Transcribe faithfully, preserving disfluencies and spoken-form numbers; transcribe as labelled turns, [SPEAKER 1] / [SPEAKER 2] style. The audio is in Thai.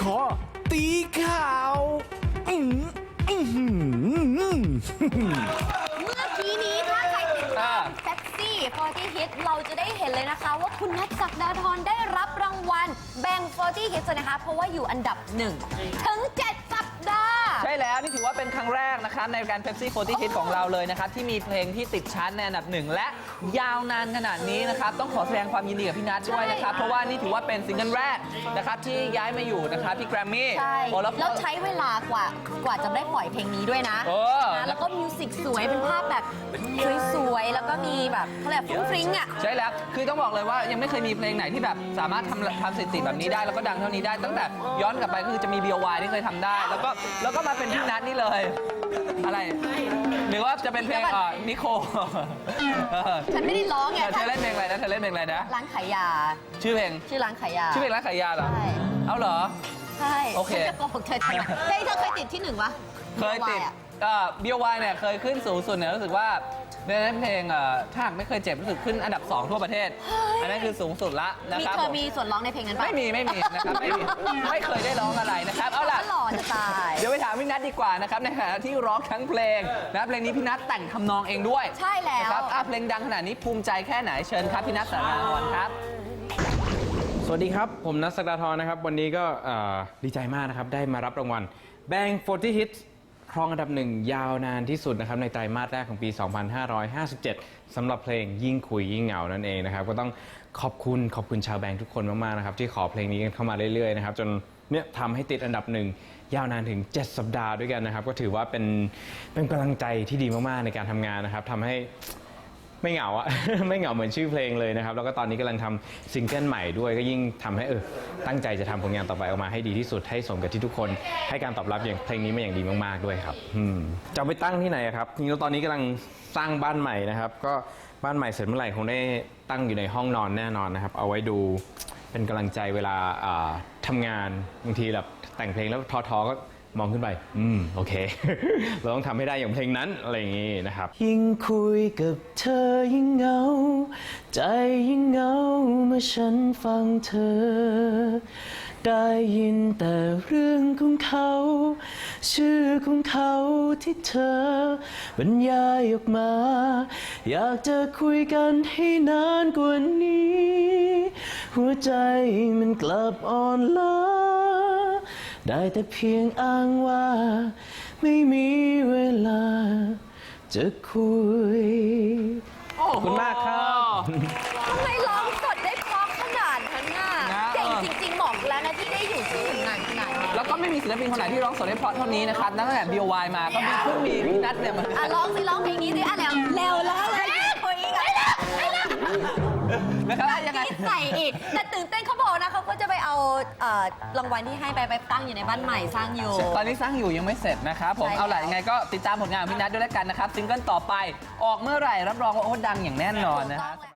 [SPEAKER 1] อตีข่าวอื้ออื้อหือ
[SPEAKER 2] เมื่อกี้นี้ถ้าใครติดตามแท็กซี่ฟอร์ตี้ฮิตเราจะได้เห็นเลยนะคะว่าคุณนัทศักดาธรได้รับรางวัลแบ่งฟอร์ตี้ฮิตนะคะ เพราะว่าอยู่อันดับหนึ่งถึงเจ็ดสัปดาห์
[SPEAKER 3] ใช่แล้วนี่ถือว่าเป็นครั้งแรกนะครับในการ Pepsi ฟอร์ตี้ Hit ของเราเลยนะครับที่มีเพลงที่ติดชาร์ตในอันดับหนึ่งและยาวนานขนาดนี้นะครับต้องขอแสดงความยินดีกับพี่นัทด้วยนะครับเพราะว่านี่ถือว่าเป็นซิงเกิลแรกนะครับที่ย้ายมาอยู่นะครับที่แกรมมี่
[SPEAKER 2] ใช่
[SPEAKER 3] โอ้แล้ว
[SPEAKER 2] แล้วใช้เวลากว่ากว่าจะได้ปล่อยเพลงนี้ด้วยนะ
[SPEAKER 3] เออ
[SPEAKER 2] นะแล้วก็มิวสิกสวยเป็นภาพแบบสวยๆแล้วก็มีแบบเขาเรียกฟรุ้งฟริ้งอ่ะ
[SPEAKER 3] ใช่แล้วคือต้องบอกเลยว่ายังไม่เคยมีเพลงไหนที่แบบสามารถทำทำสถิติแบบนี้ได้แล้วก็ดังเท่านี้ได้ตั้งแต่ย้อนกลับไปก็คือจะมี บี โอ วาย ที่เคยทำได้ แล้วก็แล้วก็มาเป็นพี่นัทนี่เลยอะไรหรือว่าจะเป็นเพลงอ่านิโค
[SPEAKER 2] ฉันไม่ได้ร้องไง
[SPEAKER 3] เธอเล่นเพลงอะไรนะเธอเล่นเพลงอะไรนะ
[SPEAKER 2] ร้านขายยา
[SPEAKER 3] ชื่อเพลง
[SPEAKER 2] ชื่อร้านขายยา
[SPEAKER 3] ชื่อเพลงร้านขายยาเหรอ
[SPEAKER 2] ใช่
[SPEAKER 3] เอาเหรอ
[SPEAKER 2] ใช่
[SPEAKER 3] โอเค
[SPEAKER 2] ฉันจะโกหกเธอทำไมเพลงเธอเคยติดที่หนึ่งวะ
[SPEAKER 3] เคยติด
[SPEAKER 2] อะ
[SPEAKER 3] บี โอ วาย เนี่ยเคยขึ้นสูงสุดเนี่ยรู้สึกว่าในนั้นเพลงเอ่อถ้าหากไม่เคยเจ็บรู้สึกขึ้นอันดับสองทั่วประเทศ อันนั้นคือสูงสุดละนะ
[SPEAKER 2] มี
[SPEAKER 3] ครับ
[SPEAKER 2] เธอ
[SPEAKER 3] ผม
[SPEAKER 2] มีส่วนร้องในเพลงนั้นปะ
[SPEAKER 3] ไม่มีไม่มีนะครับไม่มีไม่เคยได้ร้องอะไรนะครับเอาล่ะ
[SPEAKER 2] หล่อจะตาย
[SPEAKER 3] เดี๋ยวไปถามพี่นัทดีกว่านะครับในขณะที่ร้องทั้งเพลงนะเพลงนี้พี่นัทแต่งทำนองเองด้วย
[SPEAKER 2] ใช่แล้ว
[SPEAKER 3] นะครับอ่ะเพลงดังขนาดนี้ภูมิใจแค่ไหนเชิญครับพี่นัทสารนรครับ
[SPEAKER 4] สวัสดีครับ ผมนัทศักดาธรนะครับ วันนี้ก็เอ่อดีใจมากนะครับ ได้มารับรางวัล Bang ฟอร์ตี้ Hits ครองอันดับหนึ่งยาวนานที่สุดนะครับในไตรมาสแรกของปี สองพันห้าร้อยห้าสิบเจ็ด สำหรับเพลงยิ่งคุยยิ่งเหงานั่นเองนะครับ ก็ต้องขอบคุณขอบคุณชาวแบงค์ทุกคนมากๆนะครับที่ขอเพลงนี้กันเข้ามาเรื่อยๆนะครับจนเนี่ยทำให้ติดอันดับหนึ่งยาวนานถึงเจ็ดสัปดาห์ด้วยกันนะครับก็ถือว่าเป็นเป็นกำลังใจที่ดีมากๆในการทำงานนะครับทำให้ ไม่เหงาอะ ไม่เหงาเหมือนชื่อเพลงเลยนะครับแล้วก็ตอนนี้กำลังทำซิงเกิลใหม่ด้วยก็ยิ่งทำให้เออตั้งใจจะทำผลงานต่อไปออกมาให้ดีที่สุดให้สมกับที่ทุกคนให้การตอบรับอย่างเพลงนี้มาอย่างดีมากๆด้วยครับอืมจะเอาไปตั้งที่ไหนอะครับจริงๆแล้วตอนนี้กำลังสร้างบ้านใหม่นะครับก็บ้านใหม่เสร็จเมื่อไหร่คงได้ตั้งอยู่ในห้องนอนแน่นอนนะครับเอาไว้ดูเป็นกำลังใจเวลาอ่าทำงานบางทีแบบแต่งเพลงแล้วท้อๆก็มองขึ้นไปอืมโอเค เราต้องทำให้ได้อย่างเพลงนั้นอะไรอย่างงี้นะครับยิ่งคุยกับเธอยิ่งเหงาใจยิ่งเหงาเมื่อฉันฟังเธอได้ยินแต่เรื่องของเขาชื่อของเขาที่เธอบรรยายออกมาอยากจะคุยกันให้นานกว่านี้หัวใจมันกลับอ่อนล้าได้แต่เพียงอ้างว่าไม่มีเวลาจะคุยขอบคุณมากครับ
[SPEAKER 2] ทำไมร้องสดได้เพราะขนาดนั้นน่ะ
[SPEAKER 3] นะ
[SPEAKER 2] เก่งจริงๆบอกแล้วนะที่ได้อยู่ที่ถึงนานขนาดนี้
[SPEAKER 3] แล้วก็ไม่มีศิลปินคนไหนที่ร้องสดได้เพราะเท่านี้นะครับตั้งแต่ บี โอ วาย มาก็มีเพิ่งมีพี่นัทเนี่ยมัน
[SPEAKER 2] อ่ะร้องสิร้องเพลงนี้สิอ่ะแล้วแล้วแล้วอะไรคุยอีกอ่ะไม่แล้วไม่แล้ว
[SPEAKER 3] นะครับยังไง
[SPEAKER 2] คิดใส่อีกแต่ตื่นเต้นเขาบอกนะเขาก็จะไปเอาเอ่อรางวัลที่ให้ไปไปตั้งอยู่ในบ้านใหม่สร้างอยู่
[SPEAKER 3] ตอนนี้สร้างอยู่ยังไม่เสร็จนะครับผม
[SPEAKER 2] ใช่
[SPEAKER 3] เอาล่ะ
[SPEAKER 2] แล้ว
[SPEAKER 3] ยังไงก็ติดตามผลงานของพี่นัทด้วยแล้วกันนะครับซิงเกิลต่อไปออกเมื่อไหร่รับรองว่าโอ้ดังอย่างแน่นอนนะครับ